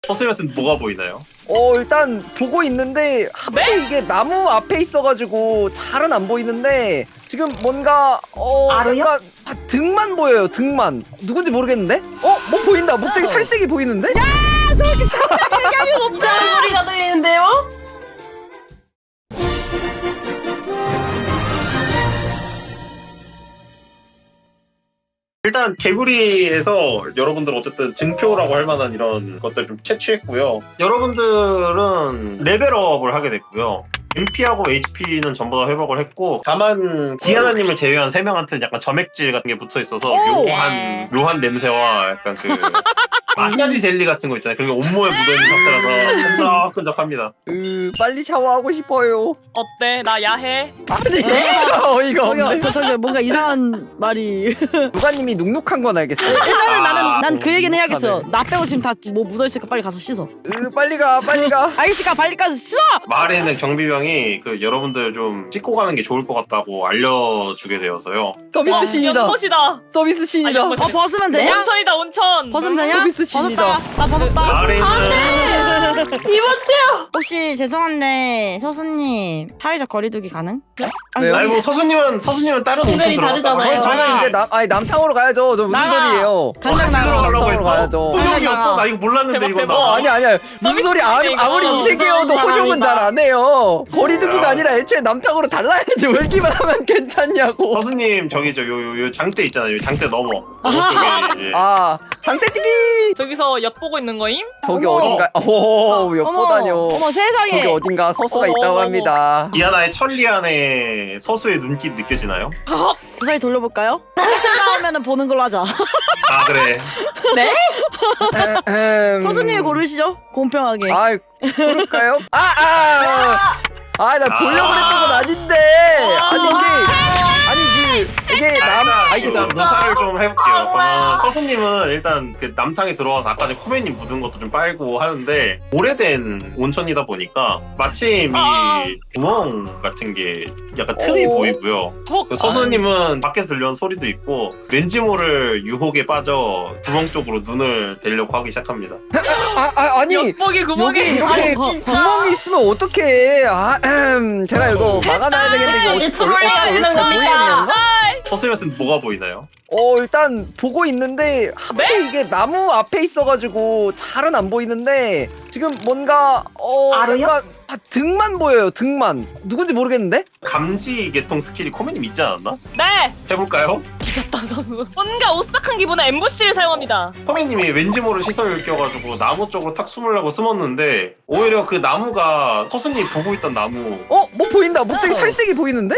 서수님한테는 뭐가 보이나요? 일단 보고 있는데 하필 이게 나무 앞에 있어가지고 잘은 안 보이는데 지금 뭔가 알아요? 약간 등만 보여요. 등만 누군지 모르겠는데? 뭐 보인다. 목적이 살색이 보이는데? 야 저렇게 살색 얘기하면 이상한 소리가 들리는데요? 일단 개구리에서 여러분들 어쨌든 증표라고 할 만한 이런 것들 좀 채취했고요. 여러분들은 레벨업을 하게 됐고요. MP하고 HP는 전부 다 회복을 했고, 다만 디아나님을 제외한 3명한테는 약간 점액질 같은 게 붙어 있어서 묘한 냄새와 약간 그 마사지 젤리 같은 거 있잖아요. 그게 온몸에 묻어있는 상태라서 끈적끈적합니다. 빨리 샤워하고 싶어요. 어때? 나 야해? 아니 진짜 어이가 없네. 저기 뭔가 이상한 말이. 누가님이 눅눅한 건 알겠어. 일단은 난 그 얘기는 눅눅하네. 해야겠어. 나 빼고 지금 다 뭐 묻어있으니까 빨리 가서 씻어. 빨리 가. 알겠으니까 빨리 가서 씻어. 마을에는 경비병이 그 여러분들 좀 씻고 가는 게 좋을 것 같다고 알려주게 되어서요. 서비스 신이다. 연못이다. 서비스 신이다. 연못. 벗으면 되냐? 온천이다 온천. 벗으면 되냐? 서비스 신이다. 나 벗었다. 마을에는 입어주세요. 혹시 죄송한데 서수님 사회적 거리두기 가능? 왜요? 아니 뭐 서수님은 다른 온천 레벨이 들어갔다고 다르잖아요. 저는 이제 남탕으로 가야죠. 저 무슨 나가. 소리예요? 당장 나가. 가려고 남탕으로 했어? 가야죠. 호적이었어? 나 이거 몰랐는데 대박, 이거 대박. 나. 아니야. 무슨 서비스 소리 아무리 이거. 인색이어도 호적은 잘 안 해요. 거리두기가 야. 아니라 애초에 남탕으로 달라야지. 월기만 하면 괜찮냐고. 서수님 저기 요 장대 있잖아요. 요 장대 넘어. 오른쪽에 이제. 장대뛰기. 저기서 엿 보고 있는 거임? 저기 어머. 어딘가 엿보다뇨. 어머 세상에. 저기 어딘가 서수가 어머, 있다고 어머, 합니다. 디아나의 천리안에 서수의 눈길 느껴지나요? 주사위 돌려볼까요? 나오면은 보는 걸로 하자. 아 그래. 서수님이 고르시죠. 공평하게. 그럴까요? 나 보려고 그랬던 건 아닌데. 이게 일단 묘사를 좀 해볼게요. 그러면 서수님은 일단 그 남탕에 들어와서 아까 전에 코메님 묻은 것도 좀 빨고 하는데 오래된 온천이다 보니까 마침 이 구멍 같은 게 약간 틈이 보이고요. 그 서수님은 밖에서 들려온 소리도 있고 왠지 모를 유혹에 빠져 구멍 쪽으로 눈을 대려고 하기 시작합니다. 아니 엿보기 구멍에. 여기 이렇게 구멍이 있으면 어떡해. 제가 이거 막아놔야 되겠는데 이거 이게 트롤링 하시는 겁니까? 서수님한테는 뭐가 보이나요? 일단 보고 있는데 하필 이게 나무 앞에 있어가지고 잘은 안 보이는데 지금 뭔가 알아요? 약간 등만 보여요. 등만 누군지 모르겠는데? 감지 계통 스킬이 코메님 있지 않았나? 네. 해볼까요? 뒤졌다 선수. 뭔가 오싹한 기분에 엠부시를 사용합니다. 코메님이 왠지 모를 시선을 껴가지고 나무 쪽으로 탁 숨으려고 숨었는데 오히려 그 나무가 서수님이 보고 있던 나무. 뭐 보인다. 목적이 살색이 보이는데?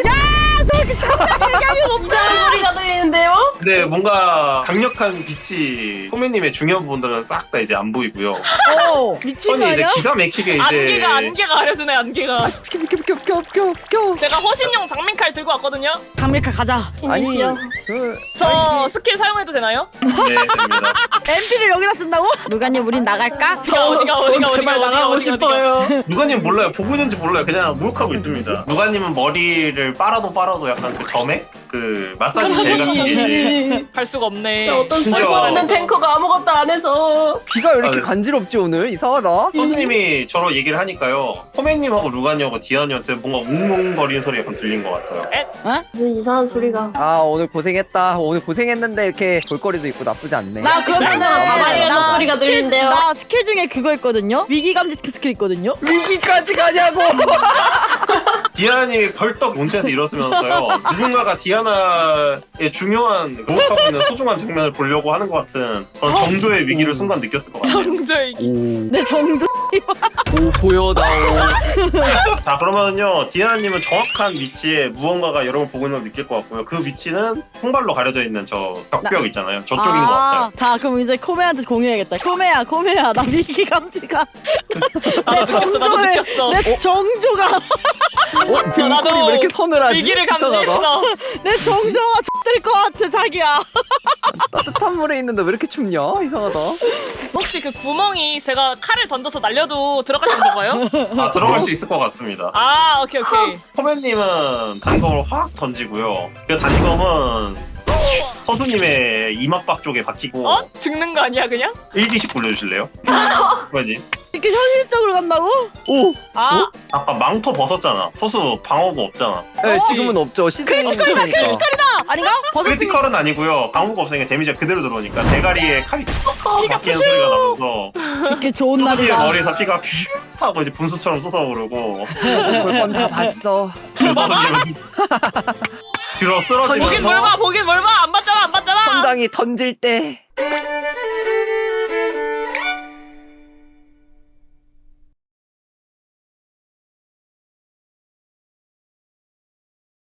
이상한 소리가 들리는데요? 근데 뭔가 강력한 빛이 코메님의 중요한 부분들은 싹 다 이제 안 보이고요. 미친 거 선이 이제 아니야? 기가 막히게 이제 안개가 가려주네 안개가. 껴. 제가 허신용 장민칼 들고 왔거든요. 강밀카 가자. 신이시여. 저 스킬 사용해도 되나요? 네 됩니다. MP를 여기다 쓴다고? 루가님 우린 나갈까? 어디가 제발 나가고 싶어요. 누가님 몰라요. 보고 있는지 몰라요. 그냥 목욕하고 있습니다. 누가님은 머리를 빨아도 약간 그 점액? 그 마사지 젤 같은 게 이제 할 수가 없네. 저 어떤 진짜. 쓸모없는 탱커가 아무것도 안 해서. 귀가 왜 이렇게 네. 간지럽지 오늘? 이상하다. 서수님이 저로 얘기를 하니까요. 코메님하고 루가님하고 디아니한테 뭔가 웅웅거리는 소리 약간 들린 것 같아요. 무슨 이상한 소리가. 오늘 고생했다. 오늘 고생했는데 이렇게 볼거리도 있고 나쁘지 않네. 나 그러면은 가만히 나 목소리가 스킬 들리는데요? 나 스킬 중에 그거 있거든요. 위기 감지 스킬 있거든요. 위기까지 가냐고. 디아나님이 벌떡 온천에서 일어서면서요. 누군가가 디아나의 중요한 목욕하고 있는 소중한 장면을 보려고 하는 것 같은 그런 정조의 위기를 순간 느꼈을 것 같아요. 정조의 내 정도. 보여다오. 자 그러면요 디아나님은 정확한 위치에 무언가가 여러분 보고 있는 걸 느낄 것 같고요. 그 위치는 통발로 가려져 있는 저 벽벽 있잖아요. 저쪽인 것 같아요. 자 그럼 이제 코메한테 공유해야겠다. 코메야 나 위기 감지가. 나도 느꼈어. 내 정조가 등골이 왜 이렇게 서늘하지? 위기를 이상하다. 감지했어. 내 정조가 X될 것 같아 자기야. 따뜻한 물에 있는데 왜 이렇게 춥냐? 이상하다. 혹시 그 구멍이 제가 칼을 던져서 날려도 들어갈 수 있는 건가요? 아 들어갈 수 있을 것 같습니다. 오케이. 코맨님은 단검을 확 던지고요. 그 단검은 서수님의 이마박 쪽에 박히고 어? 죽는 거 아니야 그냥? 1D씩 굴려주실래요? 뭐지? 이렇게 현실적으로 간다고? 오! 아 아까 망토 벗었잖아. 서수 방어구 없잖아. 네, 지금은 없죠. 시즌이니까. 아닌가? 버섯이 크리티컬은 아니고요. 방어구 없으니까 데미지가 그대로 들어오니까 대가리에 칼이 피가 박히는 소리가 나면서 이렇게 좋은 서수님의 날이다. 머리에서 피가 퓨 하고 이제 분수처럼 쏟아오르고 볼건 다 봤어. 그 서수님은 들어 보긴 쓰러지면서 뭘 봐, 보긴 뭘 봐. 안 봤잖아, 안 봤잖아. 선장이 던질 때